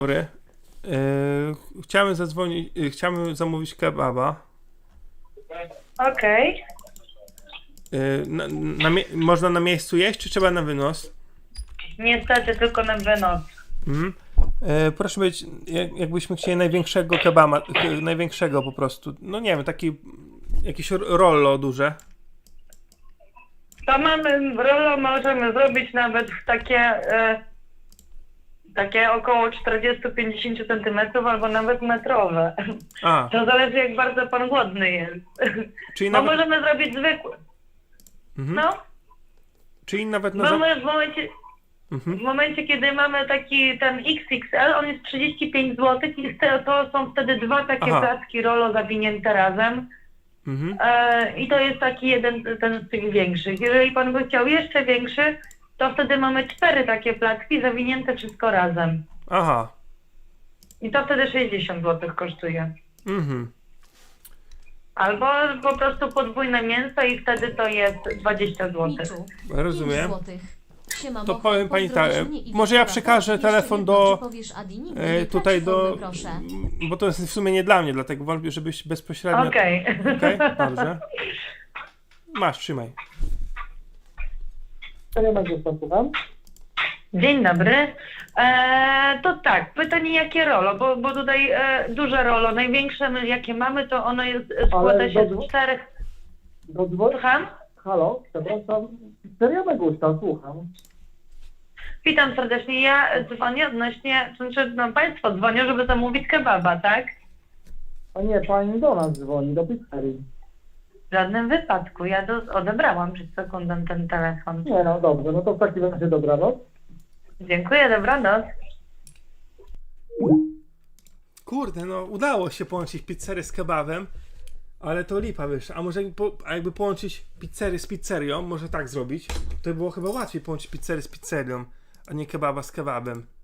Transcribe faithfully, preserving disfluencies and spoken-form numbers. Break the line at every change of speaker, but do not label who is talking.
Dobry. Yy, chciałem zadzwonić, yy, chciałem zamówić kebaba.
Okej.
Yy, na, na mie- można na miejscu jeść, czy trzeba na wynos?
Niestety tylko na wynos.
Mhm. Yy, proszę być, jak, jakbyśmy chcieli największego kebaba, yy, największego po prostu. No nie wiem, taki jakieś r- rollo duże.
To mamy, rollo możemy zrobić nawet w takie, e, takie około czterdzieści do pięćdziesięciu centymetrów albo nawet metrowe.
A,
To zależy jak bardzo pan głodny jest.
czyli
Bo
nawet,
możemy zrobić zwykły.
mhm.
No,
czyli nawet na... Za-
mamy w momencie,
mhm.
w momencie kiedy mamy taki ten X X L, on jest trzydzieści pięć złotych i to są wtedy dwa takie
Aha.
placki rollo zawinięte razem.
Mhm.
E, I to jest taki jeden ten z tych większych. Jeżeli pan by chciał jeszcze większy, to wtedy mamy cztery takie placki zawinięte wszystko razem.
Aha.
I to wtedy sześćdziesiąt złotych kosztuje.
Mhm.
Albo po prostu podwójne mięso i wtedy to jest dwadzieścia złotych.
Miczu,
Rozumiem.
pięć złotych. Siema,
To
Mocha,
powiem pani
pozdrowisz
tak,
mnie i
może ja
Wiktora.
przekażę
Jeszcze
telefon
jedno,
do-
czy powiesz Adi? Nigdy
E,
nie
tutaj
traci
do...
formy, proszę.
Bo to jest w sumie nie dla mnie, dlatego wolę, żebyś bezpośrednio...
Okej.
Okej, dobrze. Masz, trzymaj.
Dzień dobry. E, to tak, pytanie jakie rollo, bo, bo tutaj e, duże rollo, największe my, jakie mamy, to ono jest, składa się
do-
z czterech...
Do dzwoni...
Słucham?
Halo, przepraszam. Seria Megusta, słucham.
Witam serdecznie. Ja dzwonię odnośnie, to znaczy no, państwo dzwonią, żeby zamówić kebaba, tak?
A nie, pani do nas dzwoni, do pizzerii.
W żadnym wypadku. Ja do, odebrałam przed sekundą ten telefon.
Nie, no dobrze, no to w takim razie dobranoc.
Dziękuję, dobranoc.
Kurde, no udało się połączyć pizzerię z kebabem, ale to lipa, wiesz. A może jakby, po, a jakby połączyć pizzerię z pizzerią, może tak zrobić, to by było chyba łatwiej połączyć pizzerię z pizzerią, a nie kebaba z kebabem.